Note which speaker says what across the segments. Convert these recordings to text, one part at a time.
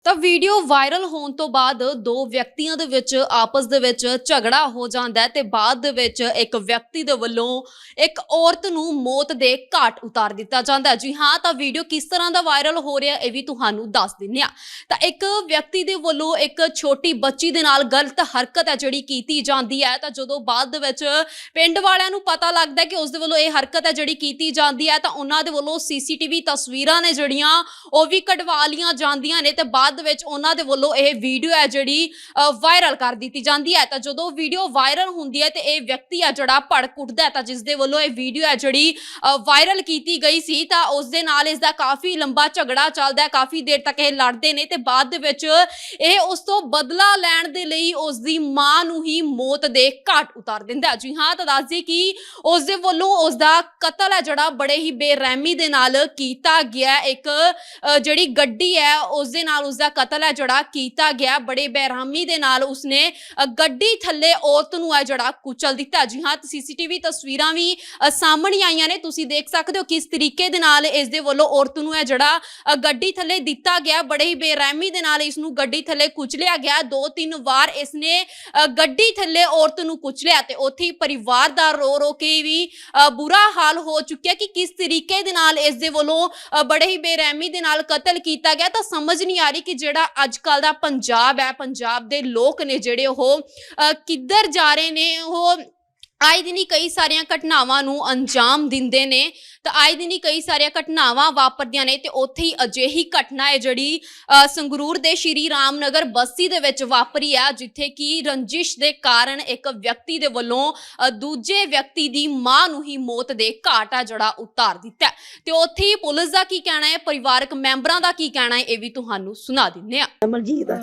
Speaker 1: ਤਾਂ video viral ਹੋਣ ਤੋਂ ਬਾਅਦ ਦੋ ਵਿਅਕਤੀਆਂ ਦੇ ਵਿੱਚ ਆਪਸ ਦੇ ਵਿੱਚ ਝਗੜਾ ਹੋ ਜਾਂਦਾ ਹੈ ਤੇ ਬਾਅਦ ਦੇ ਵਿੱਚ ਇੱਕ ਵਿਅਕਤੀ ਦੇ ਵੱਲੋਂ ਇੱਕ ਔਰਤ ਨੂੰ ਮੌਤ ਦੇ ਘਾਟ ਉਤਾਰ ਦਿੱਤਾ ਜਾਂਦਾ ਹੈ। ਜੀ ਹਾਂ, ਤਾਂ ਵੀਡੀਓ ਕਿਸ ਤਰ੍ਹਾਂ ਦਾ ਵਾਇਰਲ ਹੋ ਰਿਹਾ ਇਹ ਵੀ ਤੁਹਾਨੂੰ ਦੱਸ ਦਿੰਨੇ ਆ। ਤਾਂ ਇੱਕ ਵਿਅਕਤੀ ਦੇ ਵੱਲੋਂ ਇੱਕ ਛੋਟੀ ਬੱਚੀ ਦੇ ਨਾਲ ਗਲਤ ਹਰਕਤ ਹੈ ਜਿਹੜੀ ਕੀਤੀ ਜਾਂਦੀ ਹੈ। ਤਾਂ ਜਦੋਂ ਬਾਅਦ ਦੇ ਵਿੱਚ ਪਿੰਡ ਵਾਲਿਆਂ ਨੂੰ ਪਤਾ ਲੱਗਦਾ ਕਿ ਉਸ ਦੇ ਵੱਲੋਂ ਇਹ ਹਰਕਤ ਹੈ ਜਿਹੜੀ ਕੀਤੀ ਜਾਂਦੀ ਹੈ, ਤਾਂ ਉਹਨਾਂ ਦੇ ਵੱਲੋਂ ਸੀਸੀਟੀਵੀ ਤਸਵੀਰਾਂ ਨੇ ਜਿਹੜੀਆਂ ਉਹ ਵੀ ਕਢਵਾ ਲੀਆਂ ਜਾਂਦੀਆਂ ਨੇ ਤੇ ਬਾਅਦ ਵਿੱਚ ਉਹਨਾਂ ਦੇ ਵੱਲੋਂ ਇਹ ਵੀਡੀਓ ਹੈ ਜਿਹੜੀ ਵਾਇਰਲ ਕਰ ਦਿੱਤੀ ਜਾਂਦੀ ਹੈ। ਤਾਂ ਜਦੋਂ ਵੀਡੀਓ ਵਾਇਰਲ ਹੁੰਦੀ ਹੈ ਤੇ ਇਹ ਵਿਅਕਤੀ ਹੈ ਜਿਹੜਾ ਭੜਕ ਉੱਠਦਾ ਹੈ, ਤਾਂ ਜਿਸ ਦੇ ਵੱਲੋਂ ਇਹ ਵੀਡੀਓ ਹੈ ਜਿਹੜੀ ਵਾਇਰਲ ਕੀਤੀ ਗਈ ਸੀ ਤਾਂ ਉਸ ਦੇ ਨਾਲ ਇਸ ਦਾ ਕਾਫੀ ਲੰਬਾ ਝਗੜਾ ਚੱਲਦਾ ਹੈ। ਕਾਫੀ ਦੇਰ ਤੱਕ ਇਹ ਲੜਦੇ ਨੇ ਤੇ ਬਾਅਦ ਦੇ ਵਿੱਚ ਇਹ ਉਸ ਤੋਂ ਬਦਲਾ ਲੈਣ ਦੇ ਲਈ ਉਸ ਦੀ ਮਾਂ ਨੂੰ ਹੀ ਮੌਤ ਦੇ ਘਾਟ ਉਤਾਰ ਦਿੰਦਾ। ਜੀ ਹਾਂ, ਤਾਂ ਦੱਸ ਦਈਏ ਕਿ ਉਸ ਦੇ ਵੱਲੋਂ ਉਸ ਦਾ ਕਤਲ ਹੈ ਜਿਹੜਾ ਬੜੇ ਹੀ ਬੇਰਹਿਮੀ ਦੇ ਨਾਲ ਕੀਤਾ ਗਿਆ। ਇੱਕ ਜਿਹੜੀ ਗੱਡੀ ਹੈ ਉਸ ਦੇ ਨਾਲ ਉਸ ਦਾ ਕਤਲ ਹੈ ਜਿਹੜਾ ਕੀਤਾ ਗਿਆ। ਬੜੇ ਬੇਰਹਿਮੀ ਦੇ ਨਾਲ ਉਸਨੇ ਗੱਡੀ ਥੱਲੇ ਔਰਤ ਨੂੰ ਹੈ ਜਿਹੜਾ ਕੁਚਲ ਦਿੱਤਾ। ਜੀ ਹਾਂ, ਸੀਸੀਟੀਵੀ ਤਸਵੀਰਾਂ ਵੀ ਸਾਹਮਣੇ ਆਈਆਂ ਨੇ, ਤੁਸੀਂ ਦੇਖ ਸਕਦੇ ਹੋ ਕਿਸ ਤਰੀਕੇ ਦੇ ਨਾਲ ਇਸ ਦੇ ਵੱਲੋਂ ਔਰਤ ਨੂੰ ਹੈ ਜਿਹੜਾ ਗੱਡੀ ਥੱਲੇ ਦਿੱਤਾ ਗਿਆ। ਬੜੇ ਹੀ ਬੇਰਹਿਮੀ ਦੇ ਨਾਲ ਇਸ ਨੂੰ ਗੱਡੀ ਥੱਲੇ ਕੁਚਲਿਆ ਗਿਆ। 2-3 ਵਾਰ ਇਸਨੇ ਗੱਡੀ ਥੱਲੇ ਔਰਤ ਨੂੰ ਕੁਚਲਿਆ ਤੇ ਉੱਥੇ ਹੀ ਪਰਿਵਾਰ ਦਾ ਰੋ ਰੋ ਕੇ ਵੀ ਬੁਰਾ ਹਾਲ ਹੋ ਚੁੱਕਿਆ ਕਿ ਕਿਸ ਤਰੀਕੇ ਦੇ ਨਾਲ ਇਸ ਦੇ ਵੱਲੋਂ ਬੜੇ ਹੀ ਬੇਰਹਿਮੀ ਦੇ ਨਾਲ ਕਤਲ ਕੀਤਾ ਗਿਆ। ਤਾਂ ਸਮਝ ਨਹੀਂ ਆ ਰਹੀ ਕਿ ਜਿਹੜਾ ਅੱਜ ਕੱਲ ਦਾ ਪੰਜਾਬ ਹੈ, ਪੰਜਾਬ ਦੇ ਲੋਕ ਨੇ ਜਿਹੜੇ ਉਹ ਕਿੱਧਰ ਜਾ ਰਹੇ ਨੇ। ਉਹ ਆਏ ਦਿਨ ਹੀ ਕਈ ਸਾਰੀਆਂ ਘਟਨਾਵਾਂ ਨੂੰ ਅੰਜਾਮ ਦਿੰਦੇ ਨੇ ਤਾਂ ਆਏ ਦਿਨ ਹੀ ਕਈ ਸਾਰੀਆਂ ਘਟਨਾਵਾਂ ਵਾਪਰਦੀਆਂ ਨੇ ਤੇ ਉੱਥੇ ਹੀ ਅਜਿਹੀ ਘਟਨਾ ਹੈ ਜਿਹੜੀ ਸੰਗਰੂਰ ਦੇ ਸ਼੍ਰੀ ਰਾਮਨਗਰ ਬਸਤੀ ਦੇ ਵਿੱਚ ਵਾਪਰੀ ਆ, ਜਿੱਥੇ ਕਿ ਰੰਜਿਸ਼ ਦੇ ਕਾਰਨ ਇੱਕ ਵਿਅਕਤੀ ਦੇ ਵੱਲੋਂ ਦੂਜੇ ਵਿਅਕਤੀ ਦੀ ਮਾਂ ਨੂੰ ਹੀ ਮੌਤ ਦੇ ਘਾਟ ਆ ਜਿਹੜਾ ਉਤਾਰ ਦਿੱਤਾ ਤੇ ਉੱਥੇ ਹੀ ਪੁਲਿਸ ਦਾ ਕੀ ਕਹਿਣਾ ਹੈ, ਪਰਿਵਾਰਕ ਮੈਂਬਰਾਂ ਦਾ ਕੀ ਕਹਿਣਾ ਹੈ, ਇਹ ਵੀ ਤੁਹਾਨੂੰ ਸੁਣਾ ਦਿੰਨੇ ਆ।
Speaker 2: ਅਮਰਜੀਤ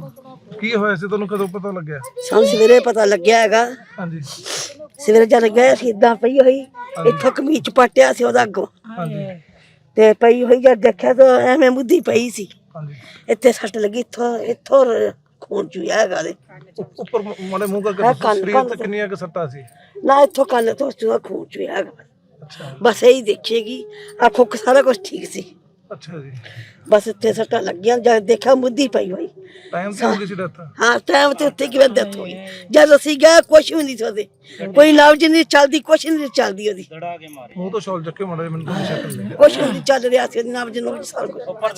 Speaker 3: ਕੀ ਹੋਇਆ ਸੀ, ਤੁਹਾਨੂੰ ਕਦੋਂ ਪਤਾ ਲੱਗਿਆ?
Speaker 2: ਸਾਨੂੰ ਸਵੇਰੇ ਪਤਾ ਲੱਗਿਆ ਹੈਗਾ।
Speaker 3: ਹਾਂਜੀ
Speaker 2: ਸਵੇਰੇ ਜਦ ਗਏ ਸੀ ਇਦਾਂ ਪਈ ਹੋਈ, ਇੱਥੋਂ ਕਮੀਜ਼ ਪਟਿਆ ਸੀ ਉਹਦਾ ਅੱਗੋਂ
Speaker 3: ਹਾਂਜੀ
Speaker 2: ਤੇ ਪਈ ਹੋਈ ਜਦ ਦੇਖਿਆ ਤਾਂ ਐਵੇਂ ਮੁੱਦੀ ਪਈ ਸੀ।
Speaker 3: ਹਾਂਜੀ
Speaker 2: ਇੱਥੇ ਸੱਟ ਲੱਗੀ, ਇੱਥੋਂ ਖੂਨ ਚੁਇਆ ਹੈਗਾ ਦੇ
Speaker 3: ਉੱਪਰ ਮਾੜੇ ਮੂੰਹ ਕਰਕੇ ਸਰੀਰ ਤੇ ਕਿੰਨੀਆਂ ਕੁ ਸੱਟਾਂ ਸੀ?
Speaker 2: ਨਾ ਇੱਥੋਂ ਕੰਨ ਤੋਂ ਖੂਨ ਚੁਇਆ ਹੈਗਾ।
Speaker 3: ਅੱਛਾ
Speaker 2: ਬਸ ਇਹੀ ਦੇਖੇਗੀ, ਆਖੋ ਸਾਰਾ ਕੁਝ ਠੀਕ ਸੀ,
Speaker 3: ਅੱਛਾ ਜੀ।
Speaker 2: ਬਸ ਇੱਥੇ ਸੱਟਾਂ ਲੱਗੀਆਂ। ਜਦ ਦੇਖਿਆ ਮੁੱਦੀ ਪਈ ਹੋਈ।
Speaker 3: ਟਾਈਮ ਤੇ ਹੋ ਗਈ ਸੀ ਡੈਥ?
Speaker 2: ਹਾਂ, ਟਾਈਮ ਤੇ ਉੱਥੇ ਕਿਵੇਂ ਡੈਥ ਹੋਈ। ਜਦ ਅਸੀਂ ਗਏ ਕੁਛ ਵੀ ਨਹੀਂ ਸੋਦੇ, ਕੋਈ ਲਫ਼ਜ਼ ਨਹੀਂ ਚੱਲਦੀ, ਕੁਛ ਨਹੀਂ ਚੱਲਦੀ ਉਹਦੀ।
Speaker 3: ਮੂੰਹ ਤੋਂ ਸ਼ਾਲ ਚੱਕੇ ਮਾੜੇ ਮੈਨੂੰ ਤਾਂ ਸ਼ਕਲ ਨਹੀਂ।
Speaker 2: ਕੁਛ ਵੀ ਨਹੀਂ ਚੱਲ ਰਿਹਾ ਸੀ ਲਫ਼ਜ਼ ਨੂੰ ਸਾਰਾ ਕੁਛ।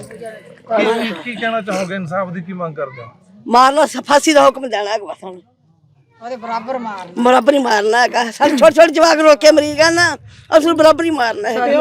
Speaker 3: ਕੀ ਕਹਿਣਾ ਚਾਹੋਗੇ, ਇਨਸਾਫ ਦੀ ਕੀ ਮੰਗ ਕਰਦੇ ਹੋ?
Speaker 2: ਮਾਰਨਾ ਫਾਂਸੀ ਦਾ ਹੁਕਮ ਦੇਣਾ ਹੈ ਬਸ ਹੁਣ,
Speaker 4: ਉਹਦੇ ਬਰਾਬਰ ਮਾਰਨਾ,
Speaker 2: ਬਰਾਬਰ ਹੀ ਮਾਰਨਾ ਹੈਗਾ। ਸਾਡੇ ਛੋਟੇ ਛੋਟੇ ਜਵਾਕ ਰੋਕੇ ਮਰੀਗਾ ਨਾ, ਅਸਲ ਬਰਾਬਰ ਹੀ ਮਾਰਨਾ ਹੈ।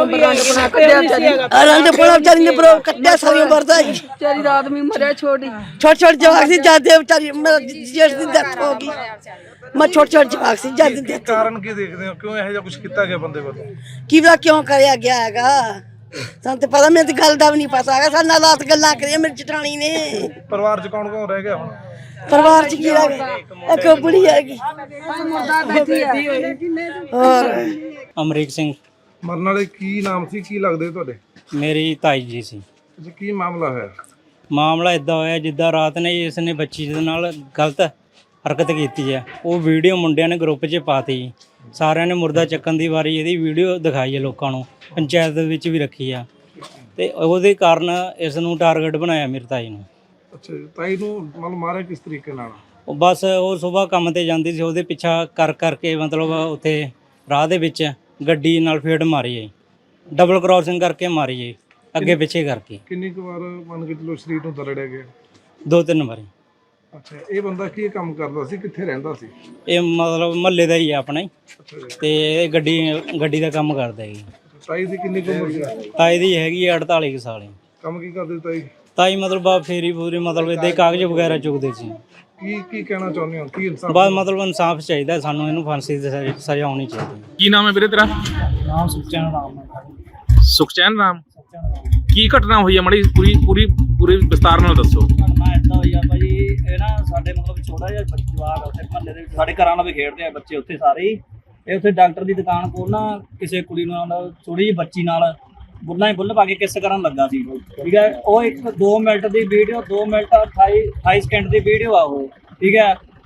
Speaker 2: ਰੰਗ ਪੁਣਾ ਵਿਚਾਰੀ ਨੇ ਬਰੋ ਕੱਟਿਆ ਸਾਰੀ ਵਰਦਾ ਹੀ।
Speaker 4: ਵਿਚਾਰੀ ਦਾ ਆਦਮੀ ਮਰਿਆ ਛੋਟੀ
Speaker 2: ਛੋਟੇ ਛੋਟੇ ਜਵਾਕ ਸੀ ਜਾਂਦੇ ਵਿਚਾਰੀ ਜੇਠ ਦੀ ਡੈਥ ਹੋ ਗਈ। ਮੈਂ ਛੋਟੇ ਛੋਟੇ ਜਵਾਕ ਸੀ ਜਾਂਦੇ ਡੈਥ।
Speaker 3: ਕਾਰਨ ਕੀ ਦੇਖਦੇ ਹੋ, ਕਿਉਂ ਇਹੋ ਜਿਹਾ ਕੁਝ ਕੀਤਾ ਗਿਆ ਬੰਦੇ ਵੱਲੋਂ?
Speaker 2: ਕੀ ਪਤਾ ਕਿਉਂ ਕਰਿਆ ਗਿਆ ਹੈਗਾ, ਸਾਨੂੰ ਤੇ ਪਤਾ। ਮੈਨੂੰ ਤੇ ਗੱਲ ਦਾ ਵੀ ਨਹੀਂ ਪਤਾ ਹੈਗਾ। ਸਾਡੇ ਨਾਲ ਰਾਤ ਗੱਲਾਂ ਕਰੀਆਂ ਮੇਰੀ ਜਠਾਣੀ ਨੇ।
Speaker 3: ਪਰਿਵਾਰ 'ਚ ਕੌਣ ਕੌਣ ਰਹਿ ਗਿਆ ਹੁਣ?
Speaker 2: ਪਰਿਵਾਰ ਚ ਕੀ ਰਹਿ ਗਿਆ, ਇੱਕ ਬੁੜੀ ਹੈਗੀ। ਹੋਰ
Speaker 5: ਅਮਰੀਕ ਸਿੰਘ
Speaker 3: ਮਰਨ ਵਾਲੇ ਕੀ ਨਾਮ ਸੀ, ਕੀ ਲੱਗਦੇ ਤੁਹਾਡੇ?
Speaker 5: ਮੇਰੀ ਤਾਈ ਜੀ ਸੀ।
Speaker 3: ਅੱਛਾ, ਕੀ ਮਾਮਲਾ ਹੋਇਆ?
Speaker 5: ਮਾਮਲਾ ਇਦਾਂ ਹੋਇਆ ਜਿੱਦਾਂ ਰਾਤ ਨੇ ਇਸ ਨੇ ਬੱਚੀ ਦੇ ਨਾਲ ਗਲਤ ਹਰਕਤ ਕੀਤੀ ਹੈ। ਉਹ ਵੀਡੀਓ ਮੁੰਡਿਆਂ ਨੇ ਗਰੁੱਪ 'ਚ ਪਾਤੀ। ਸਾਰਿਆਂ ਨੇ ਮੁਰਦਾ ਚੱਕਣ ਦੀ ਵਾਰੀ ਇਹਦੀ ਵੀਡੀਓ ਦਿਖਾਈ ਹੈ ਲੋਕਾਂ ਨੂੰ, ਪੰਚਾਇਤ ਦੇ ਵਿੱਚ ਵੀ ਰੱਖੀ ਆ ਤੇ ਉਹਦੇ ਕਾਰਨ ਇਸ ਨੂੰ ਟਾਰਗੇਟ ਬਣਾਇਆ ਮੇਰੀ ਤਾਈ ਨੂੰ।
Speaker 3: ਅੱਛਾ ਜੀ, ਤਾਈ ਨੂੰ ਮਤਲਬ ਮਾਰਿਆ ਕਿਸ ਤਰੀਕੇ ਨਾਲ?
Speaker 5: ਉਹ ਬਸ ਉਹ ਸਵੇਰ ਕੰਮ ਤੇ ਜਾਂਦੀ ਸੀ, ਉਹਦੇ ਪਿੱਛਾ ਕਰਕੇ ਮਤਲਬ ਉੱਥੇ ਰਾਹ ਦੇ ਵਿੱਚ ਗੱਡੀ ਨਾਲ ਫੇੜ ਮਾਰੀ ਹੈ, ਡਬਲ ਕ੍ਰਾਸਿੰਗ ਕਰਕੇ ਮਾਰੀ ਹੈ, ਅੱਗੇ ਪਿੱਛੇ ਕਰਕੇ।
Speaker 3: ਕਿੰਨੀ ਕੁ ਵਾਰ ਮੰਨ ਕੇ ਚਲੋ ਸਰੀਰ ਨੂੰ ਦਰੜਿਆ ਗਿਆ?
Speaker 5: 2-3 ਵਾਰੀ।
Speaker 3: ਅੱਛਾ, ਇਹ ਬੰਦਾ ਕੀ ਕੰਮ ਕਰਦਾ ਸੀ, ਕਿੱਥੇ ਰਹਿੰਦਾ ਸੀ?
Speaker 5: ਇਹ ਮਤਲਬ ਮਹੱਲੇ ਦਾ ਹੀ ਹੈ ਆਪਣਾ ਹੀ
Speaker 3: ਅੱਛਾ ਜੀ।
Speaker 5: ਤੇ ਇਹ ਗੱਡੀ ਦਾ ਕੰਮ ਕਰਦਾ ਹੈ ਜੀ।
Speaker 3: ਤਾਈ ਦੀ ਕਿੰਨੀ ਕੁ ਉਮਰ ਸੀ?
Speaker 5: ਤਾਈ ਦੀ ਹੈਗੀ 48 ਕੁ ਸਾਲ।
Speaker 3: ਕੰਮ ਕੀ ਕਰਦੇ ਤਾਈ?
Speaker 5: ਤਾਈ ਮਤਲਬ ਆ ਫੇਰੀ ਪੂਰੀ ਮਤਲਬ ਇਹਦੇ ਕਾਗਜ਼ ਵਗੈਰਾ ਚੁੱਕਦੇ ਸੀ।
Speaker 3: ਕੀ ਕਹਿਣਾ ਚਾਹੁੰਦੇ ਹੋ, ਕੀ ਇਨਸਾਫ?
Speaker 5: ਬਸ ਮਤਲਬ ਇਨਸਾਫ ਚਾਹੀਦਾ ਸਾਨੂੰ, ਇਹਨੂੰ ਫਾਂਸੀ ਦੀ ਸਜ਼ਾ ਹੋਣੀ ਚਾਹੀਦੀ।
Speaker 6: ਕੀ ਨਾਮ ਹੈ ਵੀਰੇ ਤੇਰਾ?
Speaker 5: ਨਾਮ ਸੁਖਚੈਨ ਰਾਮ।
Speaker 6: ਸੁਖਚੈਨ ਰਾਮ। ਕੀ ਘਟਨਾ ਹੋਈ ਹੈ ਮੜੀ ਪੂਰੀ ਵਿਸਤਾਰ ਨਾਲ ਦੱਸੋ।
Speaker 7: ਘਟਨਾ ਏਦਾਂ ਹੋਈ ਆ ਭਾਜੀ, ਇਹ ਨਾ ਸਾਡੇ ਮਤਲਬ ਛੋਟਾ ਜਿਹਾ ਜਵਾਕ ਉੱਥੇ ਮਹੱਲੇ ਦੇ ਸਾਡੇ ਘਰਾਂ ਨਾਲ ਵੀ ਖੇਡਦੇ ਆ ਬੱਚੇ ਉੱਥੇ ਸਾਰੇ ਹੀ। ਇਹ ਉੱਥੇ ਡਾਕਟਰ ਦੀ ਦੁਕਾਨ ਕੋਲ ਨਾ ਕਿਸੇ ਕੁੜੀ ਨਾਲ ਥੋੜੀ ਜਿਹੀ ਬੱਚੀ ਨਾਲ ਬੁੱਲ ਪਾ ਕੇ ਕਿਸ ਕਰਨ ਲੱਗਾ ਸੀ, ਠੀਕ ਹੈ। ਉਹ 2 ਮਿੰਟ ਦੀ ਵੀਡੀਓ, 2 ਮਿੰਟ 28 ਸਕਿੰਟ ਦੀ ਵੀਡੀਓ ਆ ਉਹ, ਠੀਕ ਹੈ।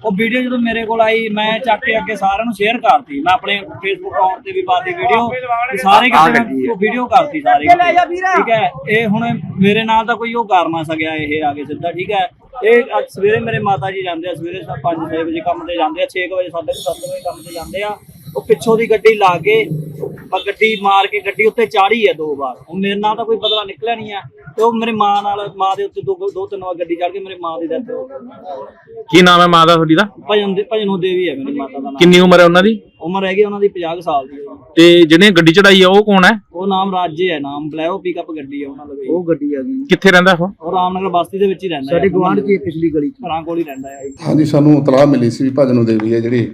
Speaker 7: ਉਹ ਵੀਡੀਓ ਜਦੋਂ ਮੇਰੇ ਕੋਲ ਆਈ ਮੈਂ ਚੱਕ ਕੇ ਅੱਗੇ ਸਾਰਿਆਂ ਨੂੰ ਸ਼ੇਅਰ ਕਰਤੀ, ਮੈਂ ਆਪਣੇ ਫੇਸਬੁੱਕ ਅਕਾਊਂਟ ਤੇ ਵੀ ਪਾਤੀ ਵੀਡੀਓ, ਸਾਰੇ ਕਿਤੇ ਉਹ ਵੀਡੀਓ ਕਰਤੀ ਸਾਰੇ ਕਿਤੇ, ਠੀਕ ਹੈ। ਇਹ ਹੁਣ ਮੇਰੇ ਨਾਲ ਤਾਂ ਕੋਈ ਉਹ ਕਰ ਨਾ ਸਕਿਆ, ਇਹ ਆ ਕੇ ਸਿੱਧਾ, ਠੀਕ ਹੈ। ਇਹ ਅੱਜ ਸਵੇਰੇ ਮੇਰੇ ਮਾਤਾ ਜੀ ਜਾਂਦੇ ਆ, ਸਵੇਰੇ 5-6 ਵਜੇ ਕੰਮ ਤੇ ਜਾਂਦੇ ਆ, 6 ਵਜੇ 7:30 ਵਜੇ ਕੰਮ ਤੇ ਜਾਂਦੇ ਆ। ਉਹ ਪਿੱਛੋਂ ਦੀ ਗੱਡੀ ਲਾ ਕੇ ਗੱਡੀ ਮਾਰ ਕੇ ਗੱਡੀ ਉੱਤੇ ਚਾੜੀ ਹੈ 2 ਵਾਰ। ਹੁਣ ਮੇਰੇ ਨਾਲ ਤਾਂ ਕੋਈ ਬਦਲਾ ਨਿਕਲਿਆ ਨਹੀਂ ਹੈ, ਤੇ ਉਹ ਮੇਰੀ ਮਾਂ ਨਾਲ, ਮਾਂ ਦੇ ਉੱਤੇ 2-3 ਵਾਰ ਗੱਡੀ ਚੜ ਕੇ ਮੇਰੇ ਮਾਂ ਦੀ ਡੈਥ ਹੋ ਗਈ।
Speaker 6: ਕੀ ਨਾਮ ਹੈ ਮਾਂ ਦਾ ਤੁਹਾਡੀ ਦਾ?
Speaker 7: ਭਜਨੋ ਦੇਵੀ ਹੈ ਮੇਰੀ ਮਾਤਾ ਦਾ ਨਾਮ।
Speaker 6: ਕਿੰਨੀ ਉਮਰ ਹੈ ਉਹਨਾਂ ਦੀ?
Speaker 7: ਉਮਰ ਹੈਗੀ ਉਹਨਾਂ ਦੀ 50 ਸਾਲ ਦੀ।
Speaker 6: ਤੇ ਜਿਹਨੇ ਗੱਡੀ ਚੜਾਈ ਆ ਉਹ ਕੌਣ ਹੈ?
Speaker 7: ਉਹ ਨਾਮ ਰਾਜੇ ਹੈ, ਨਾਮ ਬਲੈਰੋ ਪਿਕਅਪ ਗੱਡੀ ਹੈ ਉਹਨਾਂ ਦੀ। ਉਹ ਗੱਡੀ ਆ ਗਈ।
Speaker 6: ਕਿੱਥੇ ਰਹਿੰਦਾ ਉਹ?
Speaker 7: ਉਹ ਰਾਮਨਗਰ ਬਸਤੀ ਦੇ ਵਿੱਚ ਹੀ ਰਹਿੰਦਾ, ਸਾਡੇ ਗਵਾਂਢ ਚ ਪਿਛਲੀ ਗਲੀ ਚ, ਘਰਾਂ ਕੋਲ ਹੀ ਰਹਿੰਦਾ ਹੈ।
Speaker 8: ਹਾਂਜੀ, ਸਾਨੂੰ ਇਤਲਾਹ ਮਿਲੀ ਸੀ ਵੀ ਭਜਨੋ ਦੇਵੀ ਹੈ ਜਿਹੜੀ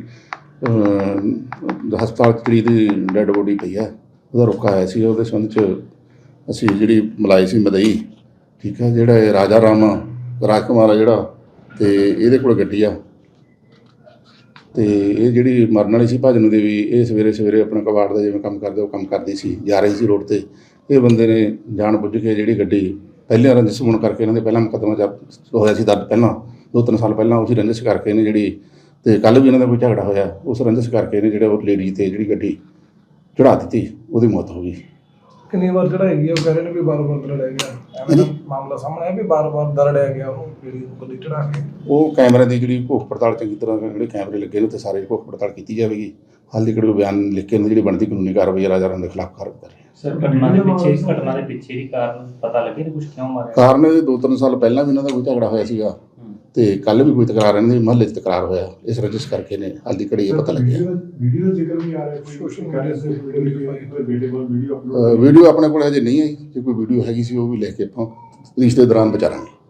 Speaker 8: ਹਸਪਤਾਲ 'ਚ ਜਿਹੜੀ ਦੀ ਡੈੱਡ ਬੋਡੀ ਪਈ ਹੈ, ਉਹਦਾ ਰੁਕਾ ਆਇਆ ਸੀ। ਉਹਦੇ ਸੰਬੰਧ 'ਚ ਅਸੀਂ ਜਿਹੜੀ ਮਲਾਈ ਸੀ ਮਦਈ, ਠੀਕ ਹੈ, ਜਿਹੜਾ ਇਹ ਰਾਜਾ ਰਾਮ ਰਾਜਕੁਮਾਰ ਆ ਜਿਹੜਾ, ਤੇ ਇਹਦੇ ਕੋਲ ਗੱਡੀ ਆ, ਤੇ ਇਹ ਜਿਹੜੀ ਮਰਨ ਵਾਲੀ ਸੀ ਭਜਨੋ ਦੇਵੀ, ਇਹ ਸਵੇਰੇ ਆਪਣਾ ਕਬਾੜ ਦਾ ਜਿਵੇਂ ਕੰਮ ਕਰਦੇ ਉਹ ਕੰਮ ਕਰਦੀ ਸੀ, ਜਾ ਰਹੀ ਸੀ ਰੋਡ 'ਤੇ। ਇਹ ਬੰਦੇ ਨੇ ਜਾਣ ਬੁੱਝ ਕੇ ਜਿਹੜੀ ਗੱਡੀ ਪਹਿਲੇ ਰੰਜਿਸ਼ ਹੋਣ ਕਰਕੇ, ਇਹਨਾਂ ਦੇ ਪਹਿਲਾਂ ਮੁਕੱਦਮਾ ਹੋਇਆ ਸੀ ਦਰਜ ਪਹਿਲਾਂ 2-3 ਸਾਲ ਪਹਿਲਾਂ, ਉਸੇ ਰੰਜਿਸ਼ ਕਰਕੇ ਇਹਨੇ ਜਿਹੜੀ, ਤੇ ਕੱਲ੍ਹ ਵੀ ਇਹਨਾਂ ਦਾ ਕੋਈ ਝਗੜਾ ਹੋਇਆ, ਉਸ ਰੰਜਿਸ਼ ਕਰਕੇ ਇਹਨੇ ਜਿਹੜਾ ਉਹ ਲੇਡੀ ਤੇ ਜਿਹੜੀ ਗੱਡੀ ਚੜ੍ਹਾ ਦਿੱਤੀ, ਉਹਦੀ ਮੌਤ ਹੋ ਗਈ।
Speaker 3: ਕਿੰਨੀ ਵਾਰ ਚੜਾਈ? ਉਹ ਕਹਿ ਰਹੇ ਨੇ ਵੀ ਬਾਰ-ਬਾਰ ਦਰੜਿਆ ਗਿਆ, ਐਵੇਂ ਦਾ ਮਾਮਲਾ ਸਾਹਮਣੇ ਆਇਆ ਵੀ ਬਾਰ-ਬਾਰ ਦਰੜਿਆ ਗਿਆ ਉਹਨੂੰ ਜਿਹੜੀ ਗੱਡੀ ਚੜਾ ਕੇ।
Speaker 8: ਉਹ ਕੈਮਰੇ ਦੀ ਜਿਹੜੀ ਭੁੱਖ ਪੜਤਾਲ ਚੰਗੀ ਤਰ੍ਹਾਂ, ਜਿਹੜੇ ਕੈਮਰੇ ਲੱਗੇ ਨੇ ਉੱਥੇ ਸਾਰੇ ਭੁੱਖ ਪੜਤਾਲ ਕੀਤੀ ਜਾਵੇਗੀ। ਹਾਲ ਦੀ ਕੋਈ ਬਿਆਨ ਲਿਖ ਕੇ ਜਿਹੜੀ ਬਣਦੀ ਕਾਨੂੰਨੀ ਕਾਰਵਾਈ ਰਾਜਾ ਰਾਮ ਦੇ ਖਿਲਾਫ ਕਰ ਰਹੇ ਹਾਂ।
Speaker 5: ਸਰ ਘਟਨਾ ਦੇ ਪਿੱਛੇ ਦੀ ਕਾਰਨ ਪਤਾ ਲੱਗੇ ਨੇ ਕੁਝ, ਕਿਉਂ ਮਾਰਿਆ?
Speaker 8: ਕਾਰਨ 2-3 ਸਾਲ ਪਹਿਲਾਂ ਵੀ ਇਹਨਾਂ ਦਾ ਕੋਈ ਝਗੜਾ ਹੋਇਆ ਸੀਗਾ, ਤੇ ਕੱਲ ਵੀ ਕੋਈ ਤਕਰਾਰ ਇਹਨਾਂ ਦੇ ਮੁਹੱਲੇ 'ਚ ਤਕਰਾਰ ਹੋਇਆ, ਇਸ ਰੰਜਿਸ਼ ਕਰਕੇ ਨੇ ਹਾਲ ਦੀ ਘੜੀ ਇਹ ਪਤਾ ਲੱਗਿਆ।
Speaker 3: ਵੀਡੀਓ ਜ਼ਿਕਰ ਵੀ ਆ ਰਿਹਾ, ਸੋਸ਼ਲ ਮੀਡੀਆ ਤੇ ਵੀਡੀਓ
Speaker 8: ਵੀਡੀਓ ਆਪਣੇ ਕੋਲ ਹਜੇ ਨਹੀਂ ਆਈ, ਜੇ ਕੋਈ ਵੀਡੀਓ ਹੈਗੀ ਸੀ ਉਹ ਵੀ ਲੈ ਕੇ ਆਪਾਂ ਪੁਲਿਸ ਦੇ ਦੌਰਾਨ ਵਿਚਾਰਾਂਗੇ।